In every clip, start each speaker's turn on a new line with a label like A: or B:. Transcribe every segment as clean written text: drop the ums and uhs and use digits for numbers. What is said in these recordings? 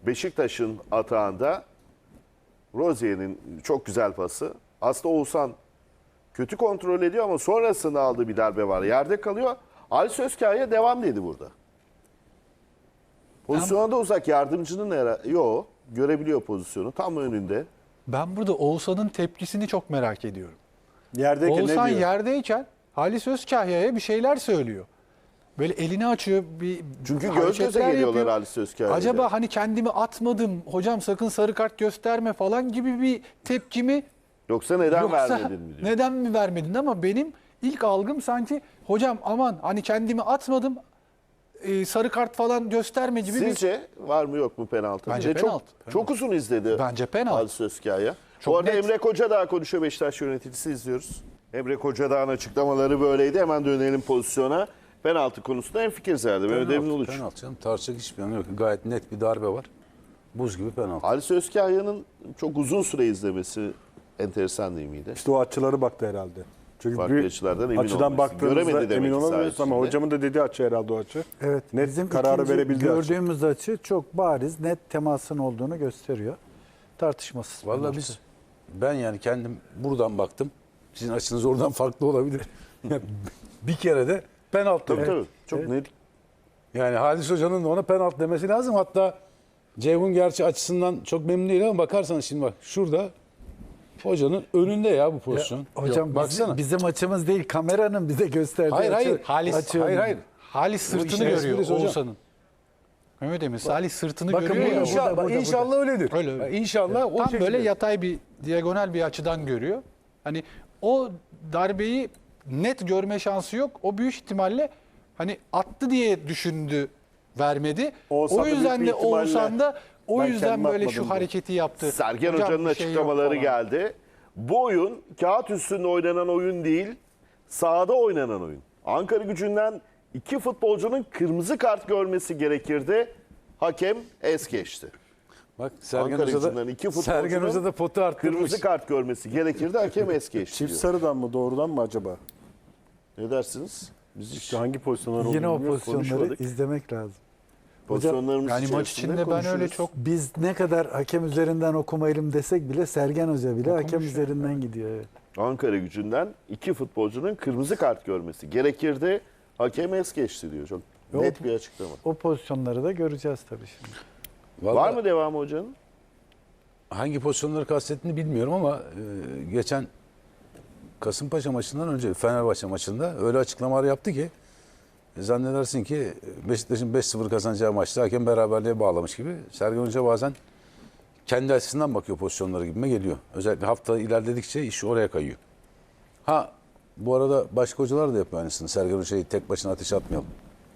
A: Beşiktaş'ın atağında Rozier'in çok güzel pası. Aslında Oğuzhan kötü kontrol ediyor ama sonrasında aldığı bir darbe var. Yerde kalıyor. Ali Sözkaya devam dedi burada. Pozisyona da uzak. Yardımcının yok. Görebiliyor pozisyonu. Tam önünde.
B: Ben burada Oğuzhan'ın tepkisini çok merak ediyorum.
C: Yerdeyken
B: Oğuzhan
C: ne diyor?
B: yerdeyken Halis Özkahya'ya bir şeyler söylüyor. Böyle elini açıyor, bir
A: Çünkü göz göze
B: hareketler
A: geliyorlar
B: yapıyor.
A: Ali Sözkaya ile.
B: Acaba hani kendimi atmadım, hocam sakın sarı kart gösterme falan gibi bir tepki mi?
A: Yoksa neden
B: Yoksa
A: vermedin mi diyor.
B: neden mi vermedin? Ama benim ilk algım sanki hocam aman hani kendimi atmadım, sarı kart falan gösterme gibi bir...
A: Sizce var mı yok mu penaltı?
B: Bence
A: Bir de
B: penaltı.
A: Çok uzun izledi.
B: Bence penaltı.
A: Ali Sözkaya.
B: Çok
A: Bu arada
B: net.
A: Emre Kocadağ konuşuyor, Beşiktaş yöneticisi, izliyoruz. Emre Kocadağ'ın açıklamaları böyleydi. Hemen dönelim pozisyona. Penaltı konusunda hemfikiriz herhalde. Mehmet Emin Uluç.
D: Penaltı canım. Tartışacak hiçbir yanı yok. Gayet net bir darbe var. Buz gibi penaltı.
A: Ali Sözkahya'nın çok uzun süre izlemesi enteresan değil miydi?
C: İşte o açıları baktı herhalde. Çünkü
A: Farklı
C: bir
A: açılardan emin
C: açıdan
A: olması.
C: baktığımızda
A: Göremedi demek
C: emin
A: ki
C: olamıyoruz
A: saha
C: ama
A: içinde.
C: hocamın da dediği açı herhalde o açı.
E: Evet,
C: Net
E: bizim
C: kararı
E: ikinci
C: verebildiği açı.
E: gördüğümüz açı çok bariz, net temasın olduğunu gösteriyor. Tartışmasız.
D: Vallahi ben yani kendim buradan baktım. Sizin açınız oradan farklı olabilir. Bir kere de penaltı.
A: Tabii tabii. Çok net.
D: Yani Halis Hoca'nın da ona penaltı demesi lazım. Hatta Ceyhun gerçi açısından çok memnun değil ama bakarsanız şimdi bak şurada hocanın önünde ya bu pozisyon.
E: Hocam
D: baksana.
E: bizim açımız değil, kameranın bize gösterdiği
D: Hayır,
E: açı.
D: hayır.
B: Halis,
E: açı
D: hayır,
E: önünde.
D: hayır.
B: Halis sırtını
D: işin
B: görüyor
D: esprisi hocam.
B: Oğuzhan'ın. Mehmet Emin, Halis sırtını
E: Bakın
B: görüyor ya.
D: İnşallah,
E: burada.
D: inşallah öyledir.
B: Öyle.
D: İnşallah o
B: Tam
D: şekilde.
B: böyle yatay bir, diagonal bir açıdan görüyor. Hani o darbeyi net görme şansı yok. O büyük ihtimalle hani attı diye düşündü, vermedi.
C: Oğuzhan
B: O
C: da
B: yüzden
C: büyük
B: de
C: bir ihtimalle
B: Oğuzhan da o
C: ben
B: yüzden
C: kendim
B: böyle şu
C: atmadım diyor.
B: hareketi yaptı.
A: Sergen
B: Hocam
A: Hoca'nın
B: bir şey yok
A: açıklamaları
B: falan.
A: geldi. Bu oyun kağıt üstünde oynanan oyun değil, sahada oynanan oyun. Ankara Gücü'nden iki futbolcunun kırmızı kart görmesi gerekirdi. Hakem es geçti.
D: Bak Sergen
A: Ankara
D: Hoca
A: Gücü'nden
D: da,
A: iki
D: Sergen Hoca da potu arttırmış.
A: kırmızı kart görmesi gerekirdi. Hakem es geçti
C: Çift
A: diyor.
C: sarıdan mı doğrudan mı acaba?
A: Ne dersiniz? Biz
C: İşte hangi pozisyonlar olduğunu
E: Yine o
C: bilmiyoruz,
E: pozisyonları
C: konuşmadık.
E: izlemek lazım.
A: pozisyonlarımız
B: Yani maç
A: içerisinde
B: içinde ben öyle
A: konuşuruz.
B: çok
E: Biz ne kadar hakem üzerinden okumayalım desek bile Sergen Hoca bile hakem üzerinden gidiyor. Evet.
A: Ankara Gücü'nden iki futbolcunun kırmızı kart görmesi gerekirdi. Hakem es geçti diyor. Çok
E: Yok.
A: net bir açıklama.
E: O pozisyonları da göreceğiz tabii şimdi.
D: Vallahi
A: Var mı devamı hocanın?
D: hangi pozisyonları kastettiğini bilmiyorum ama geçen Kasımpaşa maçından önce Fenerbahçe maçında öyle açıklamalar yaptı ki zannedersin ki Beşiktaş'ın 5-0 kazanacağı maçta hakem beraberliğe bağlamış gibi. Sergen Hoca bazen kendi açısından bakıyor pozisyonları gibime geliyor. Özellikle hafta ilerledikçe iş oraya kayıyor. Ha bu arada başka hocalar da yapıyor aynısını. Sergen Hoca'yı tek başına ateşe atmayalım.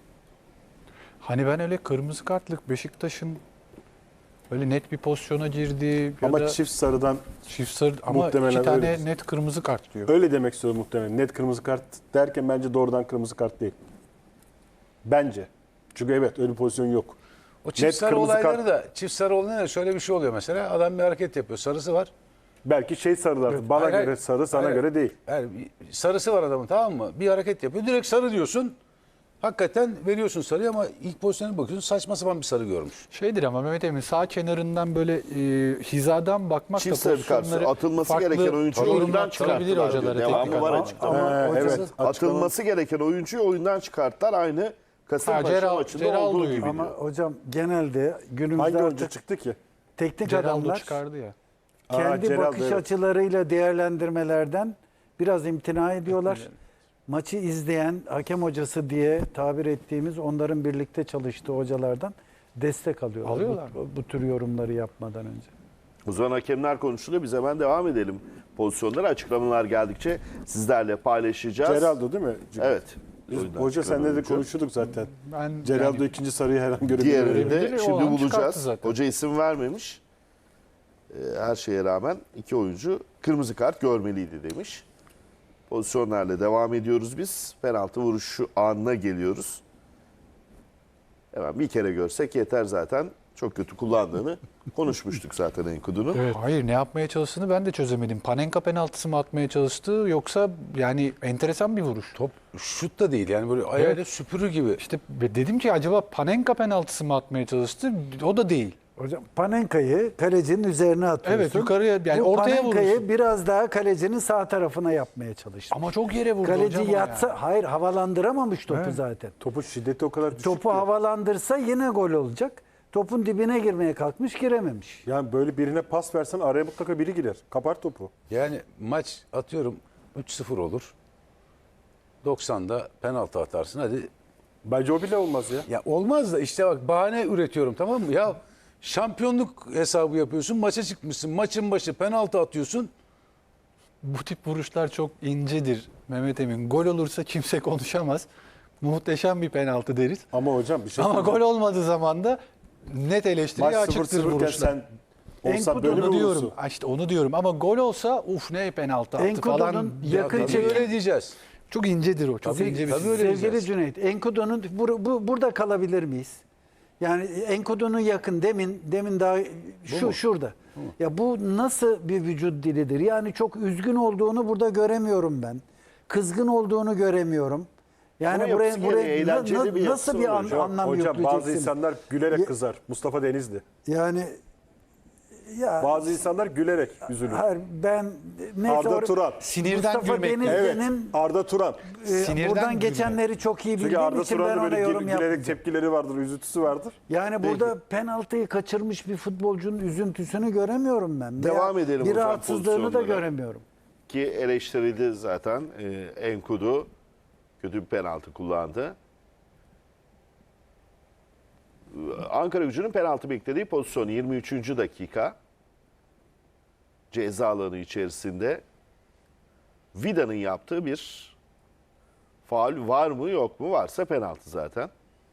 B: hani ben öyle kırmızı kartlık Beşiktaş'ın öyle net bir pozisyona girdi ya
C: Ama
B: da
C: çift sarıdan
B: çift sarı ama
C: muhtemelen
B: iki tane
C: öyledir.
B: net kırmızı kart diyor.
C: öyle demek istiyorum muhtemelen. Net kırmızı kart derken bence doğrudan kırmızı kart değil. Bence. Çünkü evet öyle bir pozisyon yok.
D: O çift
C: Net
D: sarı
C: kırmızı
D: olayları
C: kart-
D: da çift sarı olayları şöyle bir şey oluyor mesela. Adam bir hareket yapıyor. Sarısı var.
C: Belki şey sarılar. Bana
D: Hayır,
C: göre
D: hayır.
C: sarı, sana
D: Hayır.
C: göre değil.
D: Yani sarısı var adamın, tamam mı? Bir hareket yapıyor. Direkt sarı diyorsun. Hakikaten veriyorsun sarıyı ama ilk pozisyona bakıyorsun saçma sapan bir sarı görmüş.
B: Şeydir ama Mehmet Emin sağ kenarından böyle hizadan bakmak
A: Çift
B: da
A: sarı kart
B: pozisyonları
A: atılması
B: farklı
A: gereken oyuncuyu
B: yorumlar
A: oyundan
B: çıkarabilir
A: çıkarttılar
B: hocaları.
A: diyor.
B: teknik
A: Devamı var
B: adam.
A: açıklama.
C: Evet.
A: Atılması gereken oyuncuyu oyundan çıkarttılar. Aynı Kasımpaşa
B: Ceral-
A: maçında
B: Ceral
A: olduğu
B: duyuyor.
A: gibi
E: Ama
A: diyor.
E: hocam genelde günümüzde
C: Hangi oyuncu
E: artık
C: çıktı ki?
E: teknik
B: Geraldo
E: adamlar
B: çıkardı ya.
E: kendi
C: Geraldo,
E: bakış
C: evet.
E: açılarıyla değerlendirmelerden biraz imtina ediyorlar. Maçı izleyen hakem hocası diye tabir ettiğimiz onların birlikte çalıştığı hocalardan destek alıyorlar.
B: Alıyorlar
E: Bu tür yorumları yapmadan önce.
A: O zaman hakemler konuşuluyor. Biz hemen devam edelim. Pozisyonlara açıklamalar geldikçe sizlerle paylaşacağız.
C: Geraldo değil mi?
A: Evet.
C: Biz,
A: Oyundan
C: hoca
A: çıkan
C: senle de
A: oyuncu.
C: konuşuyorduk zaten.
B: Ben
C: Geraldo
B: yani
C: ikinci sarıyı her an görebilir.
A: Diğerini de
B: Görebilir, o
A: şimdi
B: an çıkarttı
A: bulacağız.
B: zaten.
A: Hoca isim vermemiş. Her şeye rağmen iki oyuncu kırmızı kart görmeliydi demiş. Pozisyonlarla devam ediyoruz biz. Penaltı vuruşu anına geliyoruz. Hemen bir kere görsek yeter zaten. Çok kötü kullandığını konuşmuştuk zaten Enkudu'nun.
B: evet. Hayır ne yapmaya çalıştığını ben de çözemedim. Panenka penaltısı mı atmaya çalıştı yoksa yani enteresan bir vuruş.
D: Top şut da değil yani böyle ayağıyla süpürür gibi.
B: İşte dedim ki acaba Panenka penaltısı mı atmaya çalıştı? O da değil.
E: Hocam Panenka'yı kalecinin üzerine atıyorsun.
B: Evet, yukarıya, yani
E: Bu
B: ortaya
E: Panenka'yı
B: vurursun.
E: biraz daha kalecinin sağ tarafına yapmaya çalıştı.
B: Ama çok yere vurdu
E: Kaleci
B: hocam o
E: yatsa,
B: yani.
E: hayır havalandıramamış topu zaten.
C: Topun şiddeti o kadar düşük
E: Topu
C: ki.
E: havalandırsa yine gol olacak. Topun dibine girmeye kalkmış, girememiş.
C: Yani böyle birine pas versen araya mutlaka biri girer. Kapar topu.
D: Yani maç atıyorum 3-0 olur. 90'da penaltı atarsın. Hadi
C: Bence o bile olmaz ya.
D: ya olmaz da işte bak bahane üretiyorum, tamam mı? Ya şampiyonluk hesabı yapıyorsun. Maça çıkmışsın. Maçın başı penaltı atıyorsun.
B: Bu tip vuruşlar çok incedir Mehmet Emin. Gol olursa kimse konuşamaz. Muhteşem bir penaltı deriz.
C: Ama hocam bir şey
B: Ama
C: söyleyeyim.
B: gol olmadığı zaman da net eleştiriye
C: Maç
B: açıktır
C: 0-0 iken
B: vuruşlar.
C: sen olsa böyle mi
B: Onu diyorum.
C: vurursun?
B: İşte onu diyorum. Ama gol olsa uf ne penaltı attı
E: Enkudu'nun
B: falan.
E: yakın
D: Tabii
E: çekim-
D: öyle diyeceğiz.
B: Çok incedir o. Çok
D: Tabii,
B: ince bir
D: tabii öyle
E: Sevgili
D: diyeceğiz.
E: Cüneyt, Enkudu'nun burada kalabilir miyiz? Yani Enkudu'nun yakın demin daha şurada. Ya bu nasıl bir vücut dilidir? Yani çok üzgün olduğunu burada göremiyorum ben. Kızgın olduğunu göremiyorum. Yani
A: Ama yapısı gereği eğlenceli bir
E: nasıl
A: yapısı
E: bir
A: var hocam.
E: anlam
C: Hocam
E: yükleyeceksin?
C: bazı insanlar gülerek kızar. Mustafa Denizli.
E: Yani ya
C: Bazı insanlar gülerek üzülür.
E: hayır, ben neyse
C: Arda Turan.
B: Sinirden
E: Mustafa
B: gülmek.
C: Evet.
E: Denizli'nin
C: Arda Turan.
B: Sinirden
E: buradan
B: gülmek.
E: geçenleri çok iyi
C: Çünkü
E: bildiğim
C: Arda
E: için ben
C: Turan'da
E: ona
C: böyle
E: yorum
C: gülerek
E: yapmayacağım.
C: tepkileri vardır, üzüntüsü vardır.
E: Yani burada penaltıyı kaçırmış bir futbolcunun üzüntüsünü göremiyorum ben.
A: Devam
E: Veya
A: edelim
E: bir
A: hocam
E: rahatsızlığını da
A: pozisyonlara.
E: göremiyorum.
A: Ki eleştirildi zaten. Enkudu kötü bir penaltı kullandı. Ankaragücü'nün penaltı beklediği pozisyon 23. dakika. Ceza alanı içerisinde Vida'nın yaptığı bir faul var mı yok mu? Varsa penaltı zaten.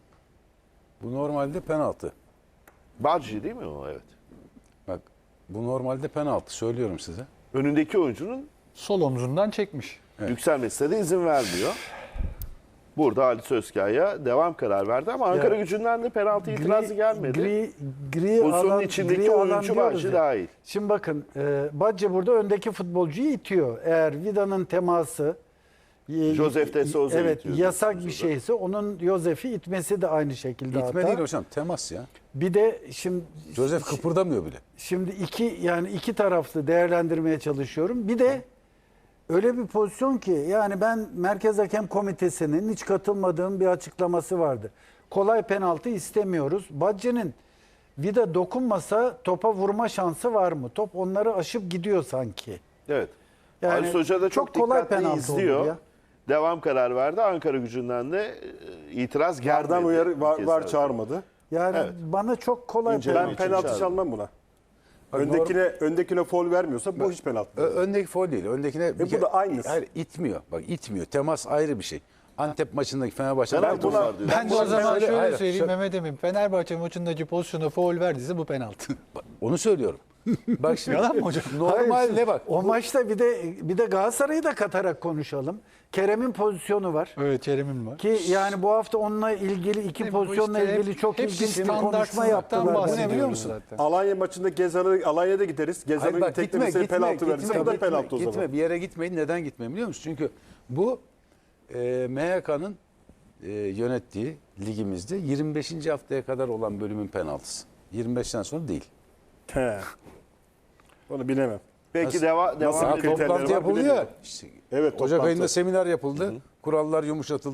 D: Bu normalde penaltı.
A: Badji değil mi o? Evet.
D: Bak bu normalde penaltı, söylüyorum size.
A: Önündeki oyuncunun
B: Sol omzundan çekmiş.
A: yükselmesine de izin vermiyor. Burada Halis Özkaya'ya devam karar verdi ama Ankaragücü'nden de penaltı itirazı gelmedi.
E: Gri
A: Pozisyonun
E: alan,
A: içindeki
E: gri alan
A: oyuncu
E: diyoruz
A: Badji
E: ya.
A: dahil.
E: Şimdi bakın Badji burada öndeki futbolcuyu itiyor. Eğer Vida'nın teması
A: Josef de Souza
E: evet,
A: itiyor
E: yasak
A: diyorsunuz
E: bir şeyse onun Josef'i itmesi de aynı şekilde
D: İtme
E: hata.
D: değil hocam, temas ya.
E: Bir de
D: Josef kıpırdamıyor bile.
E: Şimdi iki taraflı değerlendirmeye çalışıyorum. Bir de öyle bir pozisyon ki yani ben Merkez Hakem Komitesi'nin hiç katılmadığım bir açıklaması vardı. Kolay penaltı istemiyoruz. Badji'nin Vida dokunmasa topa vurma şansı var mı? Top onları aşıp gidiyor sanki.
A: Evet.
E: Yani
A: Halis Hoca da çok
E: çok kolay
A: dikkatli
E: penaltı
A: izliyor.
E: olur ya.
A: Devam karar verdi. Ankaragücü'nden de itiraz gelmedi.
C: Vardan uyarı var
A: Keza.
C: çağırmadı.
E: Yani
A: Evet.
E: bana çok kolay
A: İnceleme
C: Ben
A: için
C: penaltı
A: çağırdı.
C: çalmam buna.
D: Bak,
C: Öndekine foul vermiyorsa bu hiç penaltı. değil.
D: Öndeki foul değil. Öndekine
C: bu da aynısı.
D: Hayır, itmiyor. Bak itmiyor. Temas ayrı bir şey. Antep maçındaki Fenerbahçe.
A: Penaltı
C: buna-
A: var diyor.
B: Ben de o zaman
D: Hayır,
B: şöyle
D: hayır,
B: söyleyeyim Mehmet Emin. Fenerbahçe maçındaki pozisyona faul verdiyse bu penaltı.
D: Onu söylüyorum. Bak şimdi.
B: Yalan mı hocam?
D: Normalde bak.
E: O maçta bir de Galatasaray'ı da katarak konuşalım. Kerem'in pozisyonu var.
B: Evet, Kerem'in var.
E: Ki yani bu hafta onunla ilgili iki
B: Bu
E: pozisyonla
B: işte
E: ilgili çok
B: hepsi
E: ilginç bir konuşma
B: standartsızlıktan
E: yaptılar.
D: Bu ne
B: bahsediyoruz
D: biliyor musun?
B: zaten.
C: Alanya maçında Alanya'da gideriz.
D: Hayır,
C: Gezer'in
D: bak,
C: teklemesine penaltı verirse bu da penaltı o zaman.
D: Gitme, bir yere gitmeyin. Neden gitmeyin biliyor musun? Çünkü bu MHK'nın yönettiği ligimizde 25. haftaya kadar olan bölümün penaltısı. 25'ten sonra değil.
C: He. Onu bilemem.
A: Peki
C: Nasıl
A: devam
C: kriterleri
A: edelim.
D: Toplantı
C: var
D: yapıldı ya.
C: bilemiyorum.
D: İşte
C: Evet,
D: Ocak
C: toplantı.
D: ayında seminer yapıldı. Kurallar yumuşatıldı.